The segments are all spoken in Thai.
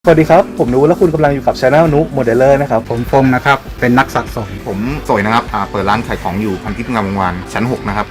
สวัสดีครับผมนุและคุณกำลังอยู่กับ Channel นุโมเดลเลอร์นะครับผมพงษ์นะครับเป็นนักสะสมผมสวยนะครับเปิดร้านขายของอยู่พันทิพย์งามวงวานชั้น 6นะครับ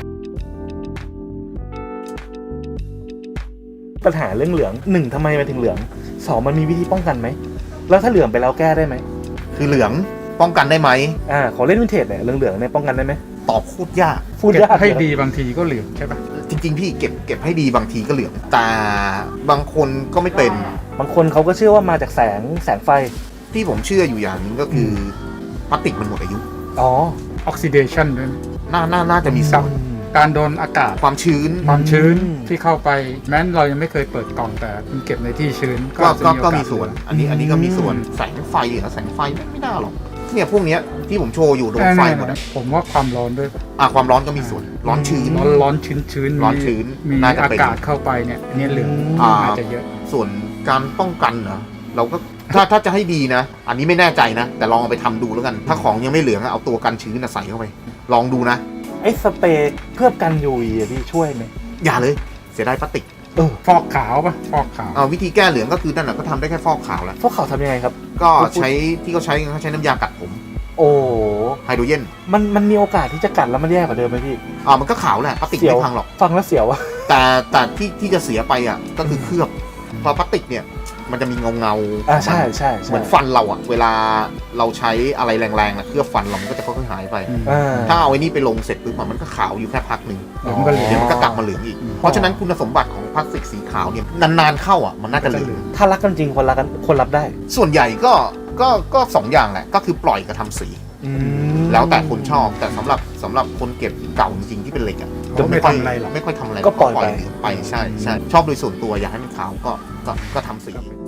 ปัญหาเรื่องเหลือง1ทำไมมันถึงเหลือง2มันมีวิธีป้องกันไหมแล้วถ้าเหลืองไปแล้วแก้ได้ไหมคือเหลืองป้องกันได้ไหมของเล่นวินเทจเนี่ยเหลืองเนี่ยป้องกันได้ไหมตอบพูดยากพูดยากให้ดีบางทีก็เหลืองใช่ปะจริงๆพี่เก็บให้ดีบางทีก็เหลืองแต่บางคนก็ไม่เป็นบางคนเขาก็เชื่อว่ามาจากแสงไฟที่ผมเชื่ออยู่อย่างนึงก็คือพลาสติกมันหมดอายุอ๋อออกซิเดชันด้วยน่าจะมีส่วนการโดนอากาศความชื้นที่เข้าไปแม้เรายังไม่เคยเปิดกล่องแต่มันเก็บในที่ชื้นก็มีส่วนอันนี้ก็มีส่วนแสงไฟแสงไฟไม่น่าหรอกเนี่ยพวกเนี้ยที่ผมโชว์อยู่โดนไฟหมดผมว่าความร้อนด้วยความร้อนก็มีส่วนร้อนชื้นชื้นมีอากาศเข้าไปเนี่ยอันนี้เหลืองอาจจะเยอะส่วนการป้องกันนะเราก็ถ้าจะให้ดีนะอันนี้ไม่แน่ใจนะแต่ลองเอาไปทำดูแล้วกันถ้าของยังไม่เหลืองเอาตัวกันชื้นใส่เข้าไปลองดูนะไอ้สเปรย์เพื่อกัน UV พี่ช่วยไหมอย่าเลยเสียดายพลาสติกฟอกขาวป่ะฟอกขาววิธีแก้เหลืองก็คือนั่นแหละก็ทำได้แค่ฟอกขาวแล้วฟอกขาวทำยังไงครับก็ใช้ที่เขาใช้น้ำยากัดผมโอ้ไฮโดรเจนมันมีโอกาสที่จะกัดแล้วมันแย่กว่าเดิมไหมพี่มันก็ขาวแหละพลาสติกไม่พังหรอกฟังแล้วเสียวอะแต่ที่จะเสียไปก็คือเคลือบพอพลาสติกเนี่ยมันจะมีเงาใช่เหมือนฟันเราเวลาเราใช้อะไรแรงๆนะเคลือบฟันเรามันก็จะค่อยๆหายไปถ้าเอาไอ้นี่ไปลงเสร็จปุ๊บมันก็ขาวอยู่แค่พักหนึ่งเดี๋ยวมันก็กลับมาเหลืองอีกเพราะฉะนั้นคุณสมบัติของพลาสติกสีขาวเนี่ยนานๆเข้ามันน่าจะเหลืองถ้ารักกันจริงคนรับได้ส่วนใหญ่ก็2อย่างแหละก็คือปล่อยกับทำสีแล้วแต่คนชอบแต่สำหรับคนเก็บเก่าจริงๆที่เป็นเหล็กก็ไม่ค่อยทำอะไรไม่ค่อยทำอะไรก็ปล่อยไปใช่ชอบโดยส่วนตัวอยากให้มันขาวก็ทำสี